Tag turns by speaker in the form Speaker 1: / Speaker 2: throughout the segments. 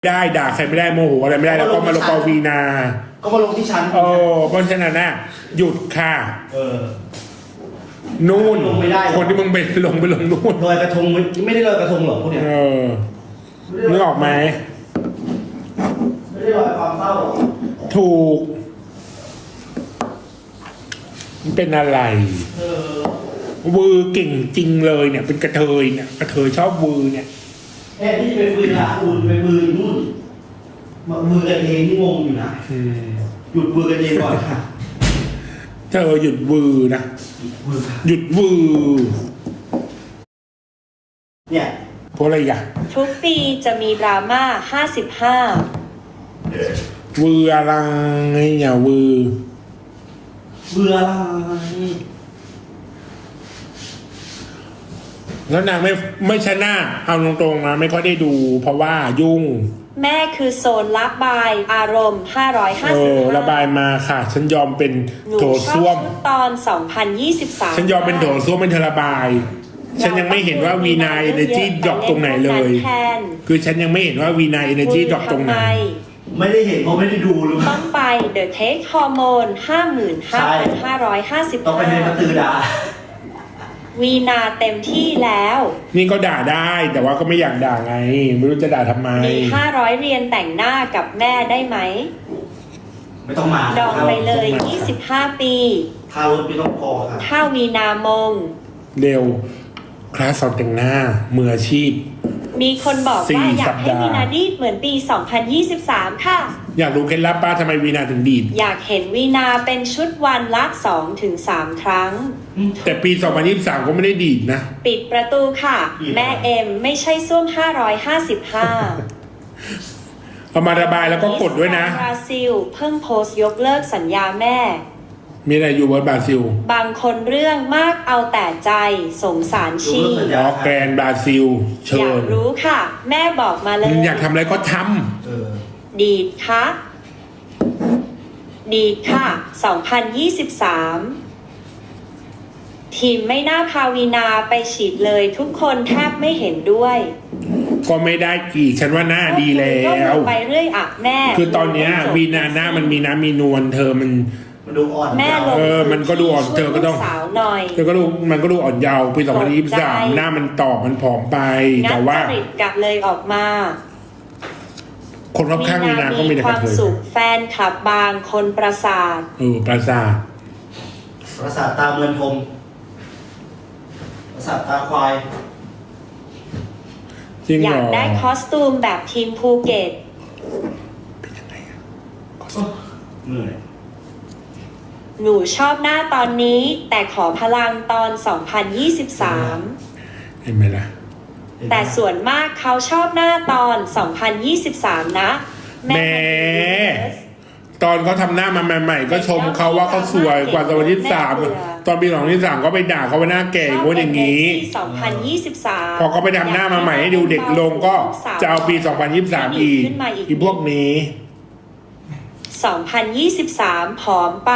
Speaker 1: ได้ด่าใครไม่ได้โมโหอะไรไม่ได้แล้วก็มาลงกอวีนา
Speaker 2: ก็มาลงที่ชั้น
Speaker 1: เพราะฉะนั้นน่ะหยุดค่ะ นู่น
Speaker 2: ลงไม่ได้หรอ
Speaker 1: คนที่มึงไปลงนู่น
Speaker 2: ลอยกระทงไม่ได้ลอยกระทงหรอกพวกเนี้ย
Speaker 1: นึกออกไหม
Speaker 2: ไม่ได้ลอยความเศร้าหรอก
Speaker 1: ถูกมันเป็นอะไรวือเก่งจริงเลยเนี่ย เป็นกระเทยเนี่ยกระเทยชอบวือเนี่ย
Speaker 2: แค่ที่ไปฟืนละอุ่นไปมือนู่นมามือกันเองนี่งงอยู่นะหยุดมือกันเองก่อนค่ะ
Speaker 1: เธอหยุดวือนะ
Speaker 2: มือค่ะ
Speaker 1: หยุดวือ
Speaker 2: เนี่ย
Speaker 1: เพราะอะไรอ่ะ
Speaker 3: ทุกปีจะมีดราม่า 55
Speaker 1: วืออะไรอย่าวือ
Speaker 2: เบื่ออะไร
Speaker 1: แล้วนางไม่ชนะเอาตรงๆนะไม่ค่อยได้ดู เพราะว่ายุ่ง
Speaker 3: แม่คือโซนระบายอารมณ์ 555
Speaker 1: ระบายมาค่ะ ฉันยอมเป็น
Speaker 3: หนู
Speaker 1: โถ
Speaker 3: ชอบ
Speaker 1: ส้วม
Speaker 3: ชุดตอน 2023
Speaker 1: ฉันยอมเป็นโถส้วมเป็นเธอระบาย ฉันยังไม่เห็นว่าวีนาเอเนจีดรอปตรงไหนเลย คือฉันยังไม่เห็นว่าวีนาเอเนจีดรอปตรงไหน
Speaker 2: ไม่ได้เห็นเพราะไม่ได้ดูหรือเปล่า
Speaker 3: ต้องไป The Take Hormone
Speaker 2: ต้องไปในประตู
Speaker 3: 55,555
Speaker 2: ดา
Speaker 3: วีนาเต็มที่แล้ว
Speaker 1: นี่ก็ด่าได้ แต่ว่าก็ไม่อยากด่าไง ไม่รู้จะด่าทำไม
Speaker 3: มี 500 เรียนแต่งหน้ากับแม่ได้ไหม
Speaker 2: ไม่ต้องมา
Speaker 3: ดองไปเลย
Speaker 1: ต้องมา
Speaker 3: 25 ปี
Speaker 2: ค่ารถไม่ต้องพอค่ะ
Speaker 3: ถ้าวีนามง
Speaker 1: เร็ว คลาสสอนแต่งหน้ามืออาชีพ
Speaker 3: มีคนบอก
Speaker 1: สี่
Speaker 3: ว่าอยากให้
Speaker 1: สัปดาห์
Speaker 3: วีนาดีดเหมือนปี 2023 ค่ะ
Speaker 1: อยากรู้เคล็ดลับป้าทำไมวีนาถึงดีด
Speaker 3: อยากเห็นวีนาเป็นชุดวันละ 2-3 ครั้ง
Speaker 1: แต่ปี 2023 ก็ไม่ได้ดีดนะ
Speaker 3: ปิดประตูค่ะ
Speaker 2: ปิด
Speaker 3: แม่เอ็มไม่ใช่ส้วม 555
Speaker 1: เอามาระบายแล้วก็กดด้วยนะ
Speaker 3: บราซิลเพิ่งโพสต์ยกเลิกสัญญาแม่
Speaker 1: มีอะไรอยู่บนบราซิล
Speaker 3: บางคนเรื่องมากเอาแต่ใจสงสารชี
Speaker 1: อ๋อแกรนด์บราซิล เชิ
Speaker 3: อยาก
Speaker 1: ญ
Speaker 3: รู้ค่ะ แม่บอกมาเลย
Speaker 1: อยากทำอะไรก็ท
Speaker 3: ดีดค่ะดีดค่ะ 2023 ทีมไม่น่าพาวีนาไปฉีดเลยทุกคนแทบไม่เห็นด้วย
Speaker 1: ำก็ไม่ได้อีก ฉันว่าหน้าดีแล้
Speaker 3: ก็
Speaker 1: ว
Speaker 3: ไปเรื่อยอ่ะแม่
Speaker 1: คือตอนเนี้ยวีนาหน้ามันมีน้ำมีนวลเธอมัน
Speaker 2: มันดูอ่อน
Speaker 3: แม่ลง
Speaker 1: มันก็ดูอ่อนเธอก็ต้อง
Speaker 3: ช่วยลูสาวหน่อย
Speaker 1: เธอก็ดูมันก็ดูอ่อนเยาว์ปี
Speaker 3: ตกใจ
Speaker 1: 2023 หน้ามันตอบมันผอมไป
Speaker 3: งั
Speaker 1: แต่
Speaker 3: ด
Speaker 1: ว่า
Speaker 3: จริตกลับเลยออกมา
Speaker 1: คนรอบข้างวีนาก็มีแต่
Speaker 3: ค
Speaker 1: ก
Speaker 3: วา
Speaker 1: ระ
Speaker 3: ม
Speaker 1: เทย
Speaker 3: สุขแฟนคลับบางคนประสาท
Speaker 1: ประสาท
Speaker 2: ประสาทตาเมือนทมประสาทตาควาย
Speaker 1: จริง
Speaker 3: อ
Speaker 1: เหร
Speaker 3: ยาก
Speaker 1: อ
Speaker 3: ได้คอสตูมแบบทีมภูเก็ต
Speaker 2: เหนื่อย
Speaker 3: หนูชอบหน้าตอนนี้ แต่ขอพลังตอน 2023
Speaker 1: เห็นไหมล่ะ
Speaker 3: แต่ส่วนมากเขาชอบหน้าตอน 2023 นะ
Speaker 1: แหม ตอนเขาทำหน้ามาใหม่ๆ ก็ชมเขาว่าเขาสวยกว่า2023 ตอนปี2023ก็ไปด่าเขาว่าหน้าแก่อย่างงู้นอย่างนี้
Speaker 3: 2023
Speaker 1: พอเขาไปทำหน้ามาใหม่ให้ดูเด็กลงก็จะเอาปี 2023 อีกอีพวกนี้
Speaker 3: 2023 ผอมไป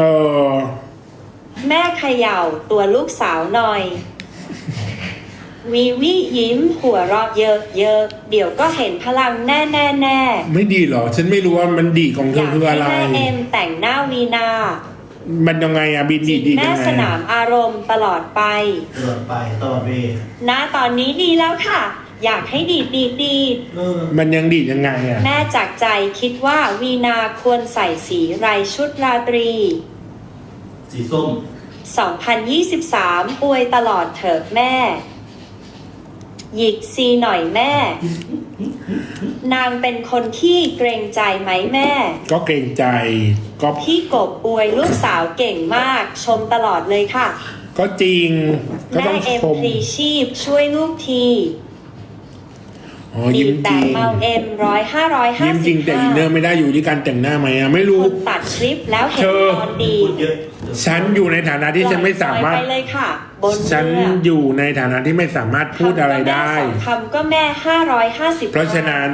Speaker 3: แม่เขย่าตัวลูกสาวหน่อย วีวิยิ้มหัวเราะเยอะๆ เดี๋ยวก็เห็นพลังแน่
Speaker 1: ไม่ดีเหรอ ฉันไม่รู้ว่ามันดีของ
Speaker 3: ๆ
Speaker 1: เธอคืออะไร
Speaker 3: แม่เอ็มแต่งหน้าวีนา
Speaker 1: มันยังไงอะบินดีดี
Speaker 3: แม่
Speaker 1: ยังไง
Speaker 3: สนามอารมณ์ตลอดไป
Speaker 2: ตลอดไปตลอดเวล
Speaker 3: ณตอนนี้ดีแล้วค่ะ อยากให้ดีด
Speaker 1: มันยังดียังไงอะ
Speaker 3: แม่จากใจคิดว่าวีนาควรใส่สีไรชุดราตรี
Speaker 2: สีส้ม
Speaker 3: 2023 อวยตลอดเถิดแม่ หยิกซีหน่อยแม่ นางเป็นคนที่เกรงใจไหมแม่
Speaker 1: ก็เกรงใจก็
Speaker 3: พี่กบอวยลูกสาวเก่งมาก ชมตลอดเลยค่ะ
Speaker 1: ก็จริงก็
Speaker 3: แม่
Speaker 1: ต้อง
Speaker 3: เอ็ม
Speaker 1: ชม
Speaker 3: พลีชีพช่วยลูกที
Speaker 1: อ๋อ
Speaker 3: ดี
Speaker 1: ยิ้มจ
Speaker 3: แต่
Speaker 1: ริง
Speaker 3: เมาเอ็ม100
Speaker 1: ยิ้มจริงแต่อินเนอร์
Speaker 3: 555
Speaker 1: ไม่ได้อยู่ที่การแต่งหน้าไหมอะไม่รู้
Speaker 3: คุณตัดคลิปแล้วเห็น
Speaker 1: เธอ
Speaker 3: ตอนดี
Speaker 2: พูดเยอะ
Speaker 1: ฉันอยู่ในฐานะที่ฉันไม่สามารถ
Speaker 3: ปล่อยไปเลยค่ะ บน
Speaker 1: ฉัน
Speaker 3: เรือ
Speaker 1: อยู่ในฐานะที่ไม่สามารถพูดอะไรได้
Speaker 3: คำก็แม่550
Speaker 1: เพราะฉะนั้น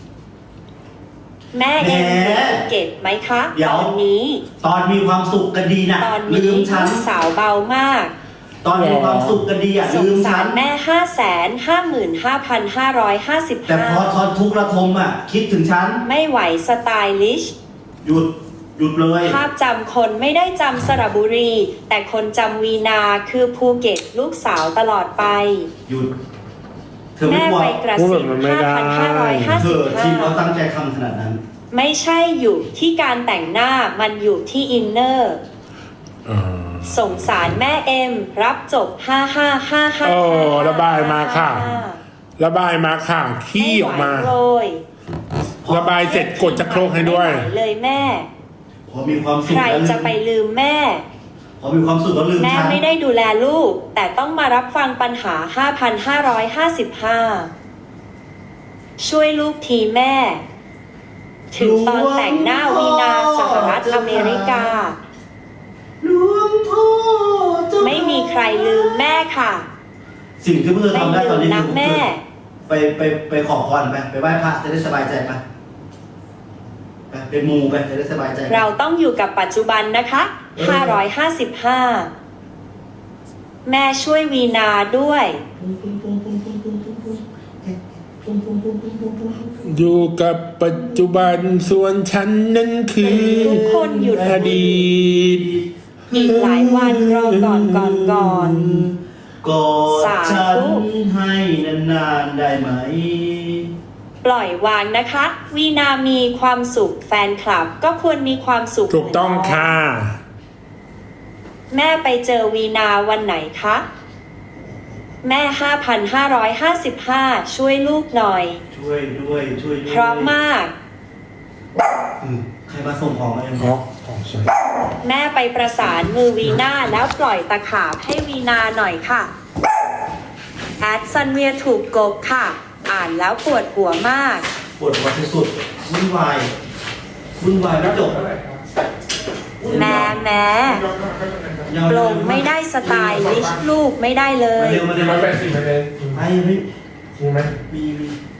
Speaker 3: แม่เอ็มดูภูเก็ตไหมคะ
Speaker 2: เดี๋ยว
Speaker 3: ตอนนี้
Speaker 2: ตอนมีความสุขกันดีนะ
Speaker 3: ตอน
Speaker 2: ลื
Speaker 3: นี้
Speaker 2: มฉัน
Speaker 3: ลูกสาวเบามาก
Speaker 2: ตอนมีความสุขกันดีอ่ะ
Speaker 3: ส
Speaker 2: ลื
Speaker 3: ง
Speaker 2: ม
Speaker 3: สา
Speaker 2: ฉั
Speaker 3: ร
Speaker 2: น
Speaker 3: แม่
Speaker 2: แต่พอ
Speaker 3: 555,555
Speaker 2: ทอนทุกข์ระทมอ่ะ คิดถึงฉัน
Speaker 3: ไม่ไหวสไตลิช
Speaker 2: หยุดเลย
Speaker 3: ภาพจำคนไม่ได้จำสระบุรี แต่คนจำวีนาคือภูเก็ตลูกสาวตลอดไป
Speaker 2: หยุด เธอไม่
Speaker 3: แม่
Speaker 2: กลัว
Speaker 3: ไปกระสิบ
Speaker 2: เธอทีมเราตั้ง
Speaker 3: 5,555
Speaker 2: ใจทำขนาดนั้น
Speaker 3: ไม่ใช่อยู่ที่การแต่งหน้ามันอยู่ที่อินเนอร์ สงสารแม่เอ็ม รับจบ 5555
Speaker 1: โอ้ระบายมาค่ะ ระบายมาค่ะขี้ออกมา
Speaker 3: ไไหวโรย
Speaker 1: ระบายเสร็จกดจะโครกให้ด้วย
Speaker 3: ไม่ไหวเลยแม่
Speaker 2: พอมีความสุข
Speaker 3: ใคร
Speaker 2: แล้ว
Speaker 3: จะไปลืมแม่
Speaker 2: พอมีความสุขแล้วลืม
Speaker 3: แม่
Speaker 2: ฉัน
Speaker 3: ไม่ได้ดูแลลูก แต่ต้องมารับฟังปัญหา 5,555 ช่วยลูกทีแม่ ถึงตอนแต่งหน้าวีนาสหรัฐอเมริกา
Speaker 2: หลวงพ่อเจ้า
Speaker 3: ไม่มีใครลืมแม่ค่ะ
Speaker 2: สิ่งที่เพื่อ
Speaker 3: ไม่
Speaker 2: ทำได้ต
Speaker 3: ลื
Speaker 2: อน
Speaker 3: ม
Speaker 2: นี้
Speaker 3: นะ
Speaker 2: คือ
Speaker 3: แม่
Speaker 2: ไปขอพรไปไหว้พระจะได้สบายใจไปมูไปจะได้สบายใจ
Speaker 3: เราต้องอยู่กับปัจจุบันนะคะ 555 แม่ช่วยวีนาด้วย
Speaker 1: อยู่กับปัจจุบันส่วนฉันนั้นคือ
Speaker 3: ทุกคนหยุด
Speaker 1: อดีต
Speaker 3: อีกหลายวันรอก่อน
Speaker 2: กอด
Speaker 3: สาธุ
Speaker 2: ฉันให้นานๆได้ไหม
Speaker 3: ปล่อยวางนะคะ วีนามีความสุขแฟนคลับ ก็ควรมีความสุข
Speaker 1: ถูกต้องค่ะ
Speaker 3: แม่ไปเจอวีนาวันไหนคะ แม่ 5,555 ช่วยลูกหน่อย
Speaker 2: ช่วยด้วยช่วยด้วย
Speaker 3: พร้อมมาก
Speaker 2: ใครมาส่งของมาเอง
Speaker 1: อ๋อของฉัน
Speaker 3: แม่ไปประสานมือวีนาแล้วปล่อยตะขาบให้วีนาหน่อยค่ะ แอดซันเวียถูกกบค่ะ อ่านแล้วปวดหัวมาก
Speaker 2: ปวดหัวที่สุดวุ่นวายไม่จบ
Speaker 3: แม่ปลงไม่ได้สไตล์ลิชลูกไม่ได้เลย
Speaker 2: มาเร็ว
Speaker 1: 180
Speaker 2: ไอ้ไม่
Speaker 1: จริงไหม
Speaker 2: มี